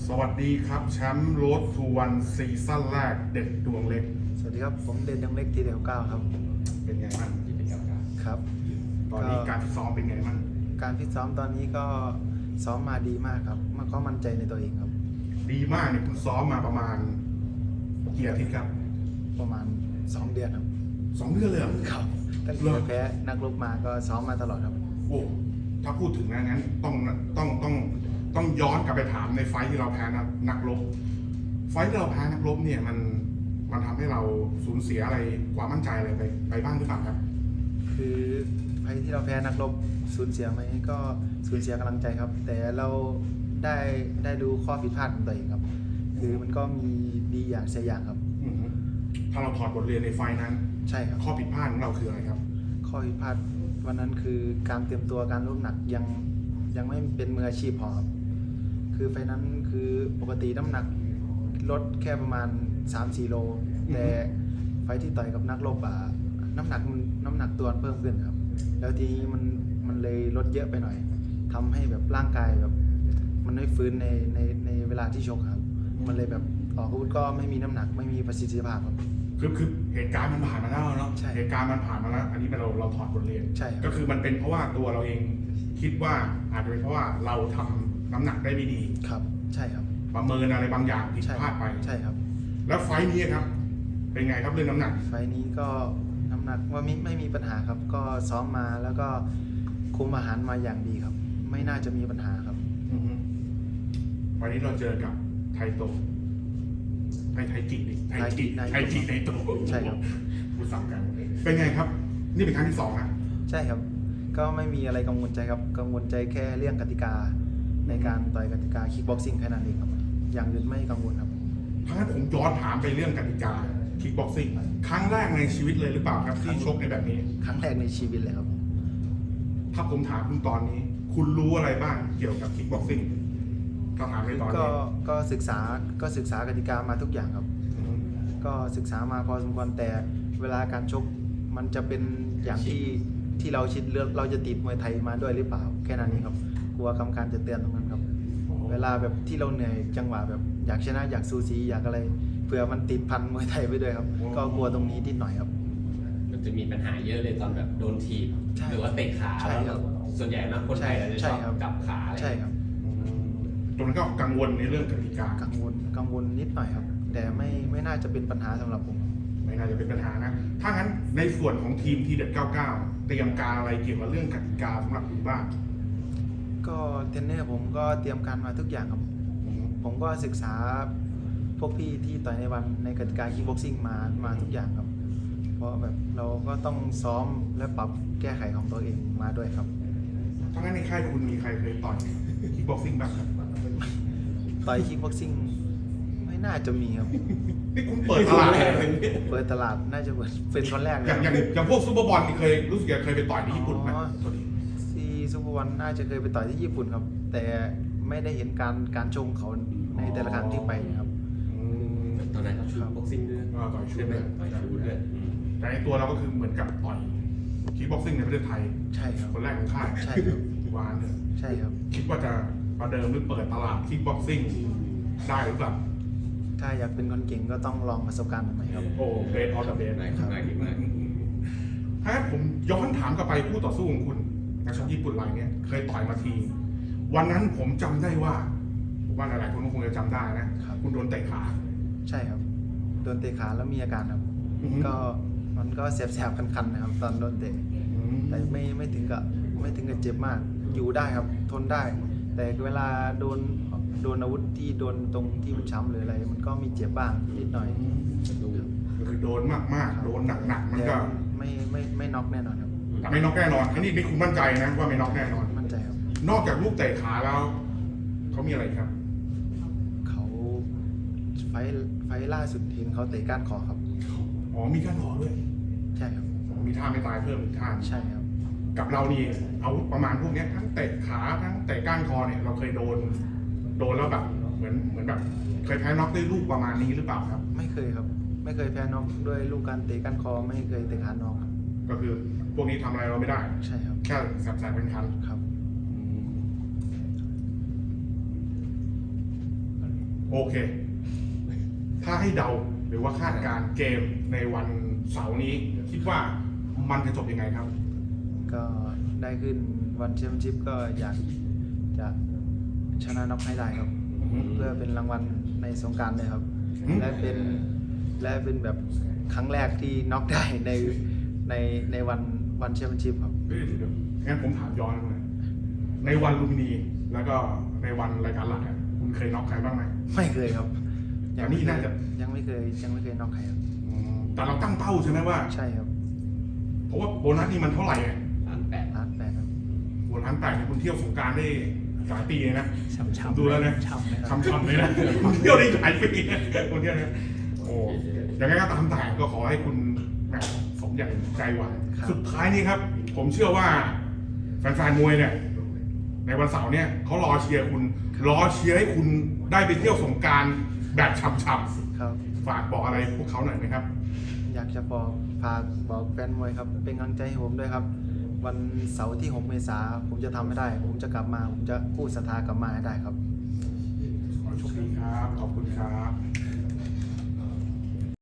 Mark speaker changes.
Speaker 1: สวัสดีครับแชมป์โรดทูวันซีซั่นแรกเด็ดดวงเล็ก
Speaker 2: สวัสดีครับผมเด่นดังเล็กทีเดียวเก้าครับ
Speaker 1: เป็นไงบ้าง
Speaker 2: ครับ
Speaker 1: ตอนนี้การฟิตซ้อมเป็นไงบ้าง
Speaker 2: การฟิตซ้อมตอนนี้ก็ซ้อมมาดีมากครับมันก็มั่นใจในตัวเองครับ
Speaker 1: ดีมากเนี่ยคุณซ้อมมาประมาณกี่อาทิตย์ครับ
Speaker 2: ประมาณ2 เดือนครับ
Speaker 1: 2 เดือนเลยเหรอ
Speaker 2: ครับตั้งแต่แพ้นักรบมาก็ซ้อมมาตลอดครับ
Speaker 1: โอ้ถ้าพูดถึงงั้นต้องย้อนกลับไปถามในไฟท์ที่เราแพ้นักรบไฟท์ที่เราแพ้นักรบเนี่ยมันทำให้เราสูญเสียอะไรความมั่นใจอะไรไปบ้างหรือเปล่าครับ
Speaker 2: คือไฟที่เราแพ้นักรบสูญเสียไหมก็สูญเสียกำลังใจครับแต่เราได้ดูข้อผิดพลาดของตัวเองครับคือมันก็มีดีอย่างเสียอย่างครับ
Speaker 1: ถ้าเราถอดบทเรียนในไฟนั้น
Speaker 2: ใช่ครับ
Speaker 1: ข้อผิดพลาดของเราคืออะไรครับ
Speaker 2: ข้อผิดพลาดวันนั้นคือการเตรียมตัวการลดหนักยังไม่เป็นมืออาชีพพอครับคือไฟนั้นคือปกติน้ำหนักลดแค่ประมาณ 3-4 โลแต่ไฟที่ต่อยกับนักรบน้ำหนักตัวเพิ่มขึ้นครับแล้วทีนี้มันเลยลดเยอะไปหน่อยทำให้แบบร่างกายแบบมันไม่ฟื้นในเวลาที่ชกครับมันเลยแบบออกอาวุธก็ไม่มีน้ำหนักไม่มีประสิทธิภาพครับ
Speaker 1: คือเหตุการณ์มันผ่านมาแล้วเนาะเหตุการณ์มันผ่านมาแล้วอันนี้เป็นเราถอดบทเรียนก็คือมันเป็นเพราะว่าตัวเราเองคิดว่าอาจจะเป็นเพราะว่าเราทำน้ำหนักได้ไม่ดี
Speaker 2: ครับใช่ครับ
Speaker 1: ประเมินอะไรบางอย่างผิดพลาดไป
Speaker 2: ใช่ครับ
Speaker 1: แล้วไฟนี้ครับเป็นไงครับเรื่องน้ำหนัก
Speaker 2: ไฟนี้ก็น้ำหนักว่าไม่มีปัญหาครับก็ซ้อมมาแล้วก็คุมอาหารมาอย่างดีครับไม่น่าจะมีปัญหาครับ
Speaker 1: วันนี้เราเจอกับไทโตไทจิในโต
Speaker 2: ใช่ครับ
Speaker 1: พูดซ้ำกันเป็นไงครับนี่เป็นครั้งที่2นะ
Speaker 2: ใช่ครับก็ไม่มีอะไรกังวลใจครับกังวลใจแค่เรื่องกติกาในการต่อยกติกาคิกบ็อกซิ่งแค่นั้นเองครับอย่างอื่นไม่กังวลครับ
Speaker 1: ถ้างั้นผมย้อนถามไปเรื่องกติกาคิกบ็อกซิ่งครั้งแรกในชีวิตเลยหรือเปล่าครับที่ชกในแบบนี้
Speaker 2: ครั้งแรกในชีวิตเลยครับ
Speaker 1: ถ้าผมถามคุณตอนนี้คุณรู้อะไรบ้างเกี่ยวกับคิกบ็อกซิ่งก็ถามในตอนนี้
Speaker 2: ก็ศึกษากติกามาทุกอย่างครับก็ศึกษามาพอสมควรแต่เวลาการชกมันจะเป็นอย่างที่เราคิดเราจะติดมวยไทยมาด้วยหรือเปล่าแค่นั้นเองครับกลัวกรรมการจะเตือนตรงนั้นครับเวลาแบบที่เราเหนื่อยจังหวะแบบอยากชนะอยากซูซีอยากอะไรเผื่อมันติดพันมวยไทยไปด้วยครับก็กลัวตรงนี้นิดหน่อยครับ
Speaker 3: มันจะมีปัญหาเยอะเลยตอนแบบโดนทีบหรือว่าเตะขาแล้วส่วนใหญ่นะคนไทยเราจะชอบจับขาอะไร
Speaker 2: ใช่ครับ
Speaker 1: ตรงนั้นก็กังวลในเรื่องกติกา
Speaker 2: กังวลนิดหน่อยครับแต่ไม่น่าจะเป็นปัญหาสำหรับผม
Speaker 1: ไม่น่าจะเป็นปัญหานะถ้างั้นในส่วนของทีมทีเด็ด99เตรียมการอะไรเกี่ยวกับเรื่องกติกาสำหรับคุณบ้าง
Speaker 2: ก็เทรนเนอร์ผมก็เตรียมการมาทุกอย่างครับผมก็ศึกษาพวกพี่ที่ต่อยในวันในกติกาคิกบ็อกซิ่งมาทุกอย่างครับเพราะแบบเราก็ต้องซ้อมและปรับแก้ไขของตัวเองมาด้วยครับ
Speaker 1: ถ้างั้นในค่ายคุณมีใครเคยต่อยคิกบ็อกซิ่งบ้างครับ
Speaker 2: ต่อยคิกบ็อกซิ่งไม่น่าจะมีครับ
Speaker 1: นี่คุณเปิดตลาด
Speaker 2: น่าจะเป็นคนแรกเลย
Speaker 1: อย่างพวกซูเปอร์บอลนี่เคยรู้สึกเคยไปต่อยที่ญี่ปุ่นไหม
Speaker 2: ที่ซูเปอร์บอลน่าจะเคยไปต่อยที่ญี่ปุ่นครับแต่ไม่ได้เห็นการชงเขาในแต่ละครั้งที่ไปครับ
Speaker 3: ตอนนั้นเขาชูบ็อกซิ่งด้วย
Speaker 1: ต่อยชูด้วยแต่ในตัวเราก็คือเหมือนกับต่อยคิกบ็อกซิ่งในประเทศไทย
Speaker 2: ใช่ครับ
Speaker 1: คนแรกของค่าย
Speaker 2: ใช่ครับ
Speaker 1: วานเลย
Speaker 2: ใช่ครับ
Speaker 1: คิดว่าจะประเดิมหรือเปิดตลาดคิกบ็อกซิ่งได้หรือเปล่า
Speaker 2: ถ้าอยากเป็นคนเก่งก็ต้องลองประสบการณ์ใหม่ครับ
Speaker 1: โอ้เบสออฟเดอะเบส
Speaker 3: ครับ
Speaker 1: ถ้าผมย้อนถามกลับไปคู่ต่อสู้ของคุณนักชกญี่ปุ่นรายนี้เคยต่อยมาทีวันนั้นผมจำได้ว่าหลายๆคนก็คงจะจำได้นะคุณโดนเตะขา
Speaker 2: ใช่ครับโดนเตะขาแล้วมีอาการครับก็มันก็แสบๆคันๆนะครับตอนโดนเตะแต่ไม่ถึงกับเจ็บมากอยู่ได้ครับทนได้แต่เวลาโดนอาวุธที่โดนตรงที่มันช้ำหรืออะไรมันก็มีเจ็บบ้างนิดหน่อย
Speaker 1: คือโดนมากๆโดนหนักๆมันก็
Speaker 2: ไม่น็อกแน่นอนครับ
Speaker 1: แต่ไม่น็อกแน่นอนอันนี้คุณมั่นใจนะว่าไม่น็อกแน่นอน
Speaker 2: มั่นใจครับ
Speaker 1: นอกจากลูกเตะขาแล้วเขามีอะไรครับ
Speaker 2: เขาไฟล่าสุดทีมเขาเตะก้านคอครับ
Speaker 1: อ๋อมีก้านคอด้วย
Speaker 2: ใช่ครับ
Speaker 1: มีท่าไม่ตายเพิ่มอีกท่า
Speaker 2: ใช่ครับ
Speaker 1: กับเรานี่อาวุธประมาณพวกนี้ทั้งเตะขาทั้งเตะก้านคอเนี่ยเราเคยโดนแล้วแบบเหมือนแบบเคยแพ้น็อกด้วยลูกประมาณนี้หรือเปล่าครับ
Speaker 2: ไม่เคยครับไม่เคยแพ้น็อกด้วยลูกการเตะก้านคอไม่เคยเตะขาน็อกครับ
Speaker 1: ก็คือพวกนี้ทำอะไรเราไม่ได้
Speaker 2: ใช่ครับ
Speaker 1: แค่แสบๆเป็นคัน
Speaker 2: ครับ
Speaker 1: โอเค ถ้าให้เดาหรือว่าคาดการณ์เกมในวันเสาร์นี้ คิดว่ามันจะจบยังไงครับ
Speaker 2: ก็ได้ขึ้นวันแชมเปี้ยนชิพก็อยากจะชนะน็อกให้ได้ครับ เพื่อเป็นรางวัลในสงกรานต์เลยครับ
Speaker 1: อืม
Speaker 2: และเป็นแบบครั้งแรกที่น็อกได้ในวันแชมเปี้ยนชิพครับ
Speaker 1: เดี๋ยวงั้นผมถามย้อนเลยในวันลูมินีแล้วก็ในวันรายการหลักอะคุณเคยน็อกใครบ้างไหม
Speaker 2: ไม่เคยครับ
Speaker 1: อันนี้น่าจะ
Speaker 2: ยังไม่เคยน็อกใครครับ
Speaker 1: แต่เราตั้งเป้าใช่ไหมว่า
Speaker 2: ใช่ครับ
Speaker 1: เพราะว่าโบนัสนี่มันเท่าไหร่อะ
Speaker 3: 8
Speaker 2: ล้านแปดครับ
Speaker 1: โบนัส8เนี่ยคุณเที่ยวสงกรารได้หลายปีเลยนะ
Speaker 4: ช่ำ
Speaker 1: ผมดูแล้วนะ
Speaker 4: ช่ำเลยครับ
Speaker 1: ช้ำๆเลยนะคุณเที่ยวได้หลายปีนะคุณเที่ยวเนี่ยโอ้ยังไงก็ตามแต่ก็ขอให้คุณแหม่สมอย่างใจหวัง
Speaker 2: ครับ
Speaker 1: สุดท้ายนี้ครับ ผมเชื่อว่าแฟนๆมวยเนี่ย ในวันเสาร์เนี่ยเขารอเชียร์คุณรอเชียร์ให้คุณได้ไปเที่ยวสงกรารแบบฉ่ำ
Speaker 2: ครับ
Speaker 1: ๆฝากบอกอะไรพวกเขาหน่อยไหมครับ
Speaker 2: อยากจะฝากบอกแฟนมวยครับ เป็นกำลังใจให้ผมด้วยครับ วันเสาร์ที่ 6 เมษายนผมจะทำให้ได้ ผมจะกลับมา ผมจะกู้ศรัทธากลับมาให้ได้ครับ
Speaker 1: ขอโชคดีครับ ขอบคุณครับ